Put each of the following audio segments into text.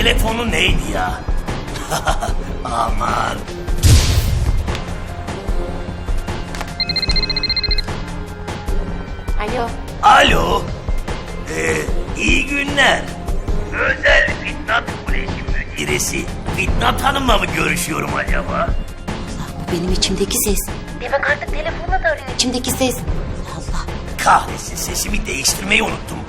telefonu neydi ya? Aman. Alo. Alo. İyi günler. Özel Fitnat Koleji müdiresi Fitnat Hanım'la mı görüşüyorum acaba? Allah, bu benim içimdeki ses. Demek artık telefonla da arıyor içimdeki ses. Allah. Kahretsin, sesimi değiştirmeyi unuttum.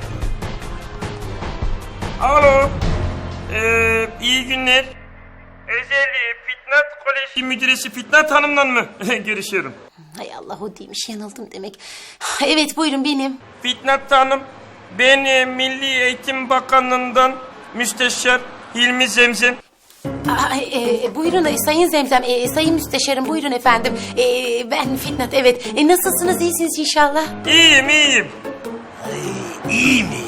Alo. İyi günler. Özel Fitnat Koleji müdiresi Fitnat Hanım'la mı görüşüyorum? Hay Allah, o değilmiş, yanıldım demek. Evet, buyurun, benim. Fitnat Hanım, ben Milli Eğitim Bakanlığı'ndan Müsteşar Hilmi Zemzem. Buyurun Sayın Zemzem, Sayın Müsteşarım, buyurun efendim. Ben Fitnat, evet. Nasılsınız, iyisiniz inşallah? İyiyim. Ay, iyi mi?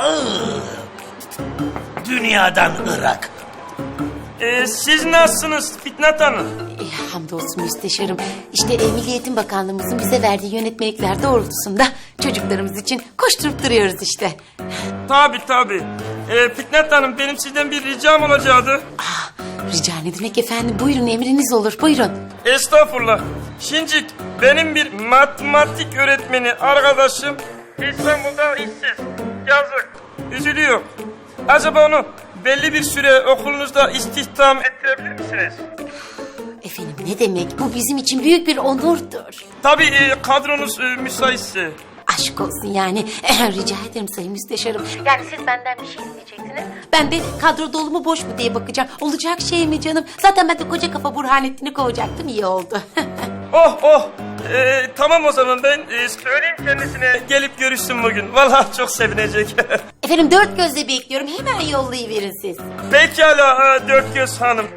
Dünyadan Irak. Siz nasılsınız Fitnat Hanım? Hamdolsun Müsteşarım. İşte Milli Eğitim Bakanlığımızın bize verdiği yönetmelikler doğrultusunda çocuklarımız için koşturup duruyoruz işte. Tabii. Fitnat Hanım, benim sizden bir ricam olacaktı. Rica ne demek efendim, buyurun, emriniz olur, buyurun. Estağfurullah. Şimdi benim bir matematik öğretmeni arkadaşım İstanbul'da işsiz. Yazık. Üzülüyor. Acaba onu belli bir süre okulunuzda istihdam ettirebilir misiniz? Efendim, ne demek, bu bizim için büyük bir onurdur. Tabii kadronuz müsaitse. Aşk olsun yani. Rica ederim Sayın Müsteşarım. Yani siz benden bir şey isteyeceksiniz. Ben de kadro dolu mu boş mu diye bakacağım. Olacak şey mi canım? Zaten ben de koca kafa Burhanettin'i kovacaktım, iyi oldu. Oh. Tamam o zaman, ben söyleyeyim kendisine gelip görüşsün bugün. Vallahi çok sevinecek. Efendim, dört gözle bekliyorum, hemen yollayıverin siz. Pekala Dört Göz Hanım.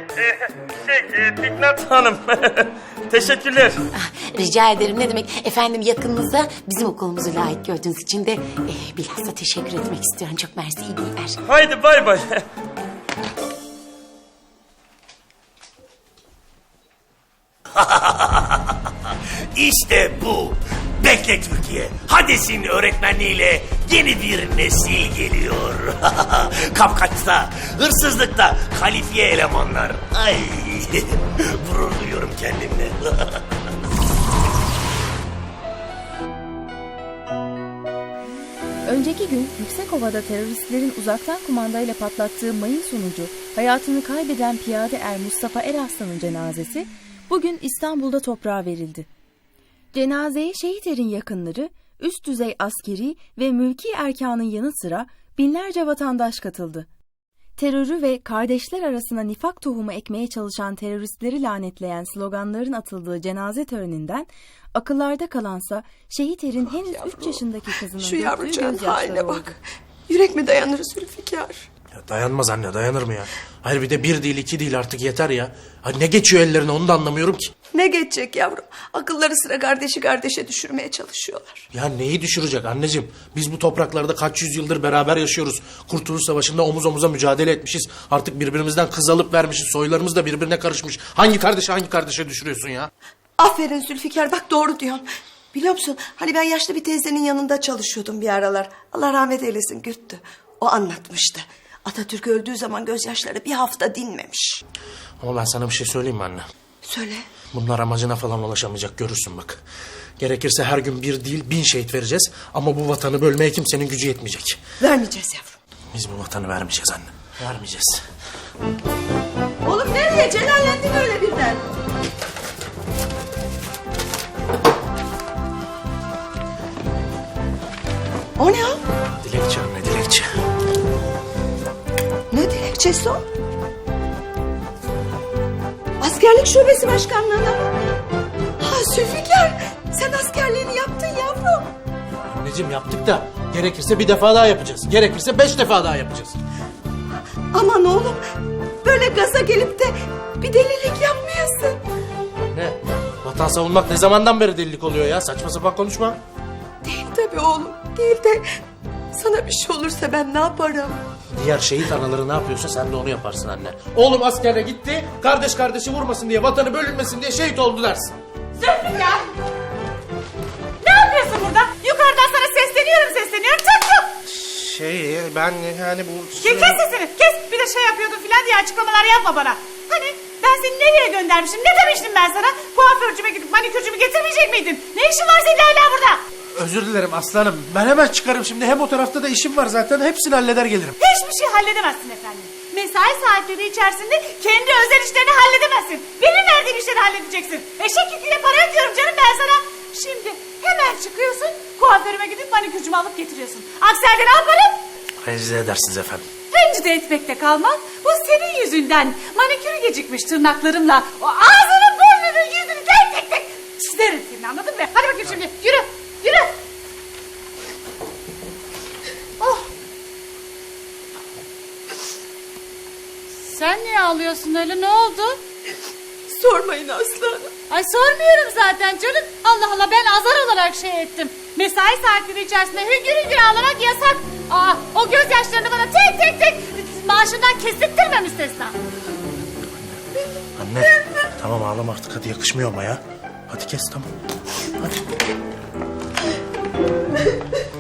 Fitnat Hanım. Teşekkürler. Rica ederim, ne demek. Efendim, yakınınıza bizim okulumuzu layık gördüğünüz için de bilhassa teşekkür etmek istiyorum. Çok mersi, iyi günler. Haydi bay. İşte bu. Bekle Türkiye. Hades'in öğretmenliğiyle yeni bir nesil geliyor. Kapkaçta, hırsızlıkta kalifiye elemanlar. Ay, gurur duyuyorum kendimle. Önceki gün Yüksekova'da teröristlerin uzaktan kumandayla patlattığı mayın sonucu hayatını kaybeden piyade er Mustafa Eraslan'ın cenazesi bugün İstanbul'da toprağa verildi. Cenazeye şehit erin yakınları, üst düzey askeri ve mülki erkanın yanı sıra binlerce vatandaş katıldı. Terörü ve kardeşler arasına nifak tohumu ekmeye çalışan teröristleri lanetleyen sloganların atıldığı cenaze töreninden akıllarda kalansa şehit erin henüz 3 yaşındaki kızının Şu yavrucağın gözyaşları haline oldu. bak. Yürek mi dayanır Zülfikar? Ya dayanmaz anne, dayanır mı ya? Hayır, bir de bir değil iki değil, artık yeter ya. Ha, ne geçiyor ellerine onu da anlamıyorum ki. Ne geçecek yavrum? Akılları sıra kardeşi kardeşe düşürmeye çalışıyorlar. Ya neyi düşürecek anneciğim? Biz bu topraklarda kaç yüzyıldır beraber yaşıyoruz. Kurtuluş Savaşı'nda omuz omuza mücadele etmişiz. Artık birbirimizden kız alıp vermişiz. Soylarımız da birbirine karışmış. Hangi kardeşe düşürüyorsun ya? Aferin Zülfikar, bak doğru diyorsun. Biliyor musun, hani ben yaşlı bir teyzenin yanında çalışıyordum bir aralar. Allah rahmet eylesin, Gürttü. O anlatmıştı. Atatürk öldüğü zaman gözyaşları bir hafta dinmemiş. Ama ben sana bir şey söyleyeyim mi anne? Söyle. Bunlar amacına falan ulaşamayacak, görürsün bak. Gerekirse her gün bir değil 1000 şehit vereceğiz. Ama bu vatanı bölmeye kimsenin gücü yetmeyecek. Vermeyeceğiz yavrum. Biz bu vatanı vermeyeceğiz anne. Vermeyeceğiz. Oğlum nereye? Celallendin öyle birden. O ne o? Dilekçe anne, dilekçe. Ne dilekçesi o? Askerlik şubesi başkanlığına mı? Ha Zülfikar, sen askerliğini yaptın yavrum. Anneciğim yaptık da gerekirse bir defa daha yapacağız. Gerekirse 5 defa daha yapacağız. Aman oğlum, böyle gaza gelip de bir delilik yapmayasın. Ne? Vatan savunmak ne zamandan beri delilik oluyor ya? Saçma sapan konuşma. Değil tabii oğlum, değil de sana bir şey olursa ben ne yaparım? Diğer şehit anaları ne yapıyorsa sen de onu yaparsın anne. Oğlum askere gitti, kardeş kardeşi vurmasın diye, vatanı bölünmesin diye şehit oldu dersin. Zülfikar! Ne yapıyorsun burada? Yukarıdan sana sesleniyorum. Çık! Ben yani bu... Kes sesini, kes. Bir de şey yapıyordun filan diye açıklamalar yapma bana. Hani ben seni nereye göndermişim, ne demiştim ben sana? Kuaförcüme gidip manikürcümü getirmeyecek miydin? Ne işin var senin hala burada? Özür dilerim aslanım. Ben hemen çıkarım şimdi. Hem o tarafta da işim var zaten. Hepsini halleder gelirim. Hiçbir şey halledemezsin efendim. Mesai saatleri içerisinde kendi özel işlerini halledemezsin. Benim verdiğim işleri halledeceksin. Eşek yüküyle para ödüyorum canım ben sana. Şimdi hemen çıkıyorsun, kuaförüme gidip manikürcümü alıp getiriyorsun. Aksi halde ne yaparım? Rencide edersiniz efendim. Rencide etmekte kalmaz. Bu senin yüzünden. Manikürü gecikmiş tırnaklarımla. O ağzını, burnunu, yüzünü tek tek çizerim seni, anladın mı? Hadi bakayım şimdi, yürü, yürü. Oh. Sen niye ağlıyorsun öyle, ne oldu? Sormayın Aslı Hanım. Ay sormuyorum zaten canım. Allah Allah, ben azar olarak şey ettim. Mesai saatleri içerisinde hüngür hüngür ağlamak yasak. O gözyaşlarını bana tek tek maaşından kestirttirme müstesna. Anne tamam ağlama artık hadi yakışmıyor ama ya. Hadi kes tamam. Hadi.